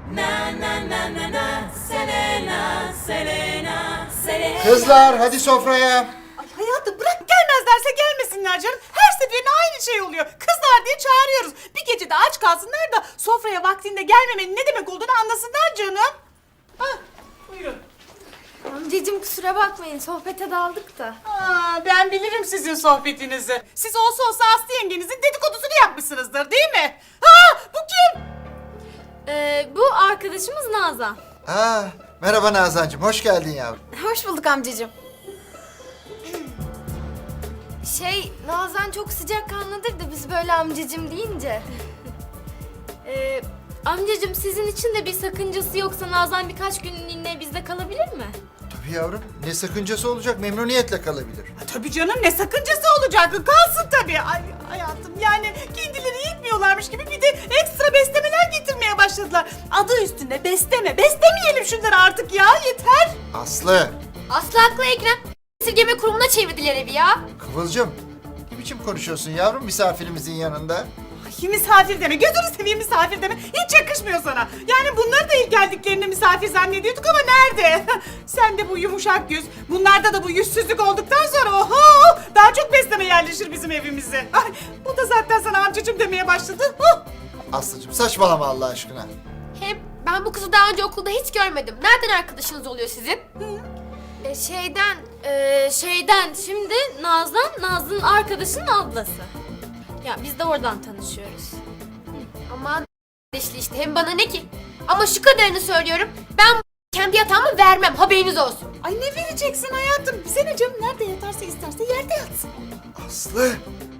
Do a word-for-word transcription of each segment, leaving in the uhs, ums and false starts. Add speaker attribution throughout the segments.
Speaker 1: Kızlar hadi sofraya.
Speaker 2: Ay hayatım bırak, gelmezlerse gelmesinler canım. Her seferinde aynı şey oluyor. Kızlar diye çağırıyoruz. Bir gece de aç kalsınlar da sofraya vaktinde gelmemenin ne demek olduğunu anlasınlar canım. Hah, buyurun.
Speaker 3: Amcacığım kusura bakmayın, sohbete daldık da.
Speaker 2: Aa, ben bilirim sizin sohbetinizi. Siz olsa olsa Aslı yengenizin dedikodusunu yapmışsınızdır değil mi? Ha, bu kim?
Speaker 3: Ee, bu arkadaşımız Nazan.
Speaker 1: Aa, merhaba Nazancığım, hoş geldin yavrum.
Speaker 3: Hoş bulduk amcacığım. Şey, Nazan çok sıcakkanlıdır da biz böyle amcacığım deyince. ee, amcacığım sizin için de bir sakıncası yoksa Nazan birkaç günlüğüne bizde kalabilir mi?
Speaker 1: Tabii yavrum, ne sakıncası olacak, memnuniyetle kalabilir.
Speaker 2: Ha, tabii canım, ne sakıncası olacak? Kalsın tabii. Ay hayatım, yani kendileri yetmiyorlarmış gibi bir de ekstra beslemeler getirmeye başladılar. Adı üstünde besleme. Beslemeyelim şunları artık ya, yeter.
Speaker 1: Aslı,
Speaker 3: Aslı haklı Ekrem. Esirgeme kurumuna çevirdiler evi ya.
Speaker 1: Kıvılcım, ne biçim konuşuyorsun yavrum misafirimizin yanında?
Speaker 2: Ay, misafir deme, gözünü seveyim misafir deme. Hiç yakışmıyor sana. Yani bunları da ilk geldiklerinde misafir zannediyorduk ama nerede? Sen de bu yumuşak yüz, bunlarda da bu yüzsüzlük olduktan sonra oho! Daha çok besleme yerleşir bizim evimize. Ay, bu da zaten sana amcacığım demeye başladı. Huh!
Speaker 1: Aslıcığım saçmalama Allah aşkına.
Speaker 4: Hem ben bu kızı daha önce okulda hiç görmedim. Nereden arkadaşınız oluyor sizin?
Speaker 3: Ee, şeyden,
Speaker 4: Ee, şeyden şimdi Nazan, Nazlı'nın arkadaşının ablası. Ya biz de oradan tanışıyoruz. Aman kardeşli işte, hem bana ne ki? Ama şu kadarını söylüyorum. Ben kendi yatağımı vermem, haberiniz olsun.
Speaker 2: Ay ne vereceksin hayatım? Bize ne canım? Nerede yatarsa isterse yerde yatsın.
Speaker 1: Aslı.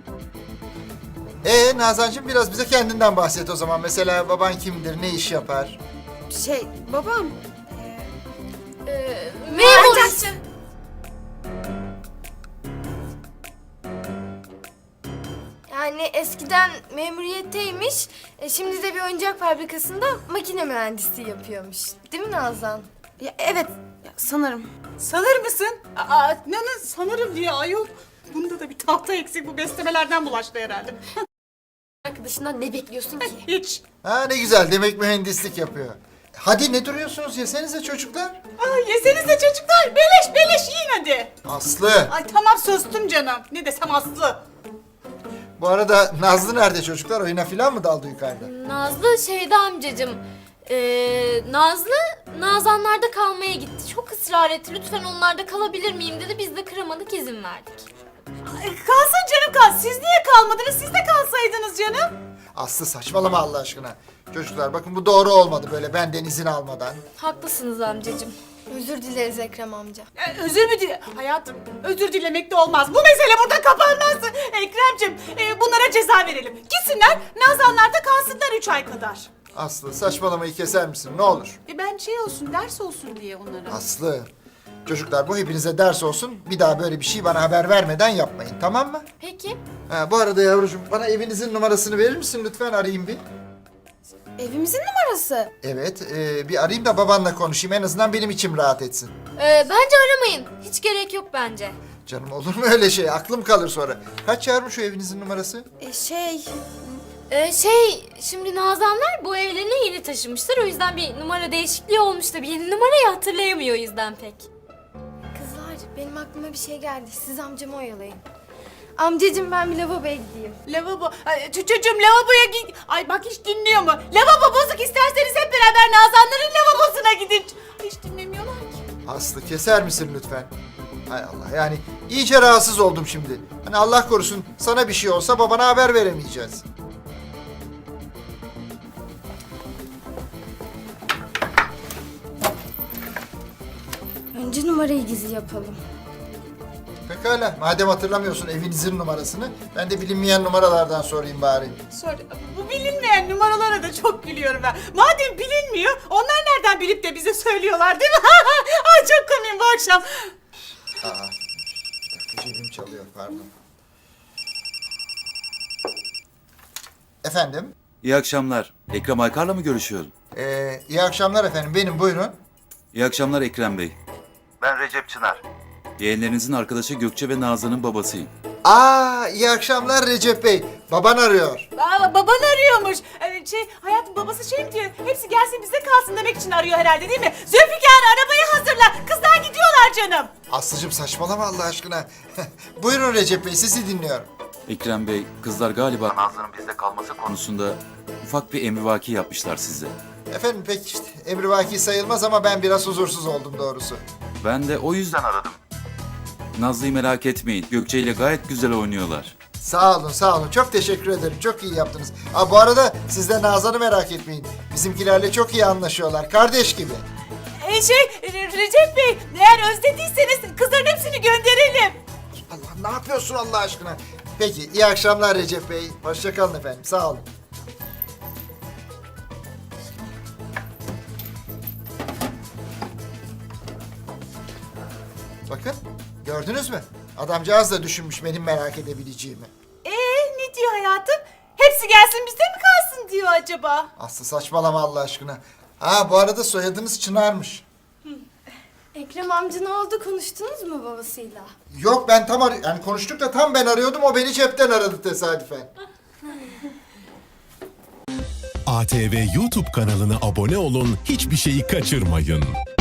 Speaker 1: Ee Nazancığım biraz bize kendinden bahset o zaman. Mesela baban kimdir, ne iş yapar?
Speaker 3: şey, babam.
Speaker 4: Ee, memur.
Speaker 3: Yani eskiden memuriyetteymiş, e, şimdi de bir oyuncak fabrikasında makine mühendisliği yapıyormuş. Değil mi Nazan?
Speaker 5: Ya, evet, ya, sanırım.
Speaker 2: Sanır mısın? Aa, ne, ne sanırım diye ayol. Bunda da bir tahta eksik, bu beslemelerden bulaştı herhalde.
Speaker 4: Arkadaşından ne bekliyorsun ki?
Speaker 2: Hiç.
Speaker 1: Ha ne güzel, demek mühendislik yapıyor. Hadi ne duruyorsunuz, yesenize çocuklar.
Speaker 2: Ay yesenize çocuklar, beleş beleş yiyin hadi.
Speaker 1: Aslı.
Speaker 2: Ay tamam, sustum canım. Ne desem Aslı.
Speaker 1: Bu arada Nazlı nerede çocuklar? Oyuna falan mı daldı yukarıda?
Speaker 4: Nazlı şeyde amcacığım. Ee, Nazlı Nazanlarda kalmaya gitti. Çok ısrar etti. Lütfen onlarda kalabilir miyim dedi. Biz de kıramadık, izin verdik.
Speaker 2: Ay, kalsın canım kal. Siz niye kalmadınız? Siz de kalsaydınız canım.
Speaker 1: Aslı saçmalama Allah aşkına. Çocuklar bakın bu doğru olmadı böyle benden izin almadan.
Speaker 4: Haklısınız amcacığım.
Speaker 3: Özür dileriz Ekrem amca.
Speaker 2: Ee, özür mü dile... Hayatım, özür dilemek de olmaz. Bu mesele burada kapanmaz. Ekrem'cim, e, bunlara ceza verelim. Gitsinler, Nazanlar'da kalsınlar üç ay kadar.
Speaker 1: Aslı saçmalamayı keser misin ne olur?
Speaker 2: E ben şey olsun, ders olsun diye onlara.
Speaker 1: Aslı. Çocuklar bu hepinize ders olsun. Bir daha böyle bir şey bana haber vermeden yapmayın, tamam mı?
Speaker 4: Peki.
Speaker 1: Ha, bu arada yavrucuğum bana evinizin numarasını verir misin lütfen, arayayım bir.
Speaker 5: Evimizin numarası.
Speaker 1: Evet e, bir arayayım da babanla konuşayım, en azından benim içim rahat etsin.
Speaker 4: Ee, bence aramayın. Hiç gerek yok bence.
Speaker 1: Canım olur mu öyle şey, aklım kalır sonra. Kaç yavrum şu evinizin numarası?
Speaker 5: E, şey,
Speaker 4: Ee, şey, şimdi Nazanlar bu evlerine yeni taşınmışlar. O yüzden bir numara değişikliği olmuş da bir yeni numarayı hatırlayamıyor o yüzden pek.
Speaker 3: Kızlar, benim aklıma bir şey geldi. Siz amcamı oyalayın. Amcacığım ben bir lavaboya gideyim.
Speaker 2: Lavabo, Ay, ç- çocuğum lavaboya git. Ay bak hiç dinliyor mu? Lavabo bozuk, isterseniz hep beraber Nazanların lavabosuna gidin. Ay, hiç dinlemiyorlar ki.
Speaker 1: Aslı keser misin lütfen? Hay Allah, yani iyice rahatsız oldum şimdi. Hani Allah korusun sana bir şey olsa babana haber veremeyeceğiz.
Speaker 3: Önce numarayı gizli yapalım.
Speaker 1: Pekala, madem hatırlamıyorsun evinizin numarasını, ben de bilinmeyen numaralardan sorayım bari.
Speaker 2: Sonra bu bilinmeyen numaralara da çok gülüyorum ben. Madem bilinmiyor, onlar nereden bilip de bize söylüyorlar değil mi? Ay çok komiyim bu akşam.
Speaker 1: Aa, bir dakika cebim çalıyor, pardon. Efendim?
Speaker 6: İyi akşamlar. Ekrem Aykar'la mı görüşüyorum?
Speaker 1: Ee, iyi akşamlar efendim, benim buyurun.
Speaker 6: İyi akşamlar Ekrem Bey.
Speaker 7: Ben Recep Çınar.
Speaker 6: Yeğenlerinizin arkadaşı Gökçe ve Nazan'ın babasıyım.
Speaker 1: Aa, iyi akşamlar Recep Bey. Baban arıyor.
Speaker 2: Aa, baban arıyormuş. Ee, şey, hayatım babası şey mi diyor? Hepsi gelsin bizde kalsın demek için arıyor herhalde değil mi? Zülfikar arabayı hazırla. Kızlar gidiyorlar canım.
Speaker 1: Aslıcığım saçmalama Allah aşkına. Buyurun Recep Bey, sizi dinliyorum.
Speaker 6: Ekrem Bey, kızlar galiba Nazlı'nın bizde kalması konusunda ufak bir emrivaki yapmışlar size.
Speaker 1: Efendim pek işte emrivaki sayılmaz ama ben biraz huzursuz oldum doğrusu.
Speaker 6: Ben de o yüzden aradım. Nazlı'yı merak etmeyin. Gökçe ile gayet güzel oynuyorlar.
Speaker 1: Sağ olun, sağ olun. Çok teşekkür ederim. Çok iyi yaptınız. Aa, bu arada siz de Nazan'ı merak etmeyin. Bizimkilerle çok iyi anlaşıyorlar. Kardeş gibi.
Speaker 2: Ee, şey, Re- Recep Bey, eğer özlediyseniz kızların hepsini gönderelim.
Speaker 1: Allah, ne yapıyorsun Allah aşkına? Peki, iyi akşamlar Recep Bey. Hoşça kalın efendim. Sağ olun. Bakın, gördünüz mü? Adamcağız da düşünmüş benim merak edebileceğimi.
Speaker 2: Ee, ne diyor hayatım? Hepsi gelsin bizde mi kalsın diyor acaba?
Speaker 1: Aslı saçmalama Allah aşkına. Ha, bu arada soyadınız Çınar'mış.
Speaker 3: Ekrem amca ne oldu? Konuştunuz mu babasıyla?
Speaker 1: Yok, ben tam ar- yani konuştuk da tam ben arıyordum, o beni cepten aradı tesadüfen.
Speaker 7: A T V YouTube kanalına abone olun, hiçbir şeyi kaçırmayın.